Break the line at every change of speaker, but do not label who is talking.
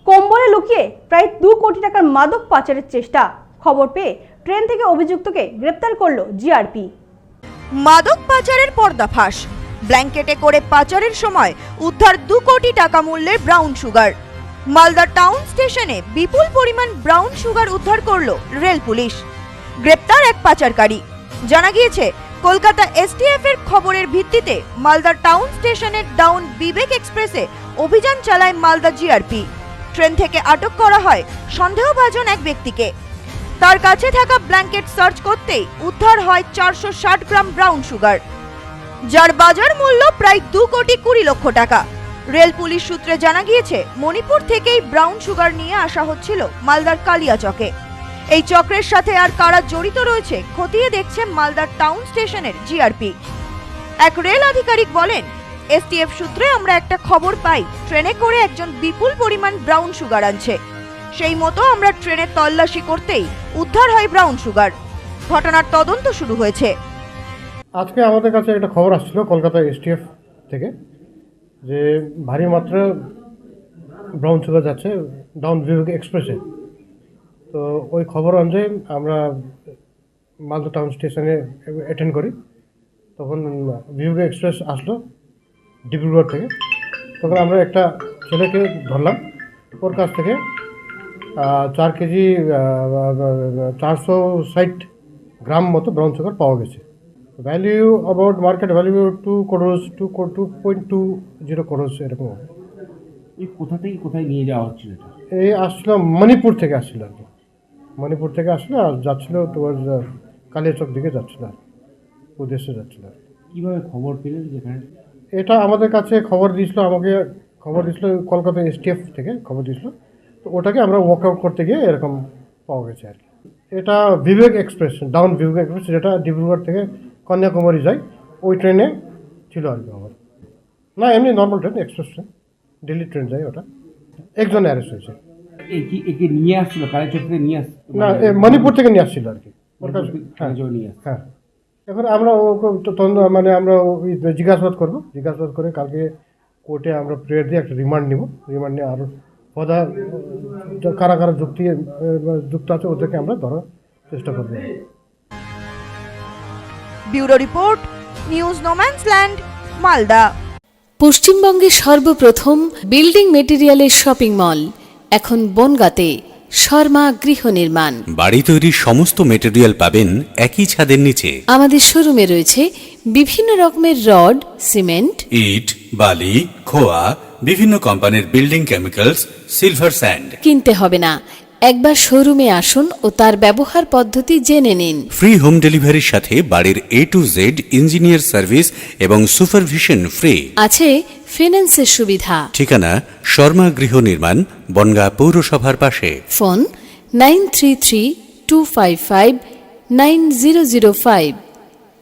কম্বলে লুকিয়ে প্রায় 2 কোটি টাকার মাদক পাচারের চেষ্টা। খবর পেয়ে ট্রেন থেকে অভিযুক্তকে গ্রেপ্তার করলো জিআরপি।
মাদক পাচারের পর্দাফাঁস। ব্ল্যাঙ্কেটে করে পাচারের সময় উদ্ধার 2 কোটি টাকা মূল্যের ব্রাউন সুগার। মালদা টাউন স্টেশনে বিপুল পরিমাণ ব্রাউন সুগার উদ্ধার করলো রেল পুলিশ। গ্রেপ্তার এক পাচারকারী। জানা গিয়েছে, কলকাতা এসটিএফ এর খবরের ভিত্তিতে মালদা টাউন স্টেশনের ডাউন বিবেক এক্সপ্রেসে অভিযান চালায় মালদা জিআরপি। ট্রেন থেকে আটক করা হয় সন্দেহভাজন এক ব্যক্তিকে। তার কাছে থাকা ব্ল্যাঙ্কেট সার্চ করতেই উদ্ধার হয় 460 গ্রাম ব্রাউন সুগার, যার বাজার মূল্য প্রায় 2 কোটি 20 লক্ষ টাকা। রেল পুলিশ সূত্রে জানা গিয়েছে, মণিপুর থেকেই ব্রাউন সুগার নিয়ে আসা হচ্ছিল মালদার কালিয়াচকে। এই চক্রের সাথে আর কারা জড়িত রয়েছে খতিয়ে দেখছে মালদার টাউন স্টেশনের জিআরপি। এক রেল আধিকারিক বলেন, এসটিএফ সূত্রে আমরা একটা খবর পাই ট্রেনে করে একজন বিপুল পরিমাণ ব্রাউন সুগার আনছে। সেই মতো আমরা ট্রেনে তল্লাশি করতেই উদ্ধার হয় ব্রাউন সুগার। ঘটনার তদন্ত শুরু হয়েছে।
আজকে আমাদের কাছে একটা খবর আসছিল কলকাতা এসটিএফ থেকে যে ভারী মাত্রা ব্রাউন সুগার যাচ্ছে ডাউন বিবেক এক্সপ্রেসে। তো ওই খবর অনুযায়ী আমরা মালদা টাউন স্টেশনে অ্যাটেন্ড করি। তখন বিবেক এক্সপ্রেস আসলো ডিব্রুগড় থেকে। তখন আমরা একটা ছেলেকে ধরলাম, ওর কাছ থেকে 4 কেজি 460 গ্রাম মতো ব্রাউন সুগার পাওয়া গেছে। Value about market value 2.20 crores এরকম।
এই কোথা থেকে কোথায় নিয়ে যাওয়া হচ্ছিল এটা?
এই আসছিল মণিপুর থেকে আসছিল আর কি। মণিপুর থেকে আসলো আর যাচ্ছিল টুয়ার্ডস কালিয়াচক দিকে যাচ্ছিল আর উদ্দেশ্যে যাচ্ছিল।
কীভাবে খবর পেলেন যেখানে?
এটা আমাদের কাছে খবর দিয়েছিল, আমাকে খবর দিয়েছিল কলকাতা এসটিএফ থেকে খবর দিয়েছিল। তো ওটাকে আমরা ওয়ার্কআউট করতে গিয়ে এরকম পাওয়া গেছে আর কি। এটা Vivek express, down Vivek express, যেটা ডিব্রুগড় থেকে কন্যাকুমারী যায়, ওই ট্রেনে ছিল আর কি আমার। না, এমনি normal train, express train, Delhi train যায় ওটা। একজন অ্যারেস্ট হয়েছে।
একে নিয়ে আসছিল কালেচক থেকে নিয়ে আসছিল?
না, মণিপুর থেকে নিয়ে আসছিল আর কি। হ্যাঁ, এখন আমরা মানে আমরা জিজ্ঞাসাবাদ করবো, জিজ্ঞাসাবাদ করে কালকে কোর্টে আমরা প্রেয়ার দিয়ে একটা রিমান্ড নিব। রিমান্ড নিয়ে আরও পদা কারা কারা যুক্ত আছে ওদেরকে আমরা ধরার চেষ্টা করবো।
Bureau report, news no man's land, Malda.
পশ্চিমবঙ্গের সর্বপ্রথম বিল্ডিং মেটেরিয়ালের শপিং মল এখন বনগাঁতে। শর্মা গৃহ নির্মাণ।
বাড়ি তৈরির সমস্ত মেটেরিয়াল পাবেন একই ছাদের নিচে।
আমাদের শোরুমে রয়েছে বিভিন্ন রকমের রড, সিমেন্ট,
ইট, বালি, খোয়া, বিভিন্ন কোম্পানির বিল্ডিং কেমিক্যালস, সিলভার স্যান্ড।
কিনতে হবে না, একবার শোরুমে আসুন ও তার ব্যবহার পদ্ধতি জেনে নিন।
ফ্রি হোম ডেলিভারির সাথে বাড়ির A to Z engineer service এবং সুপারভিশন ফ্রি।
আছে ফিন্যান্সের সুবিধা।
ঠিকানা শর্মা গৃহ নির্মাণ, বনগাঁ পৌরসভার পাশে।
ফোন 9332559005।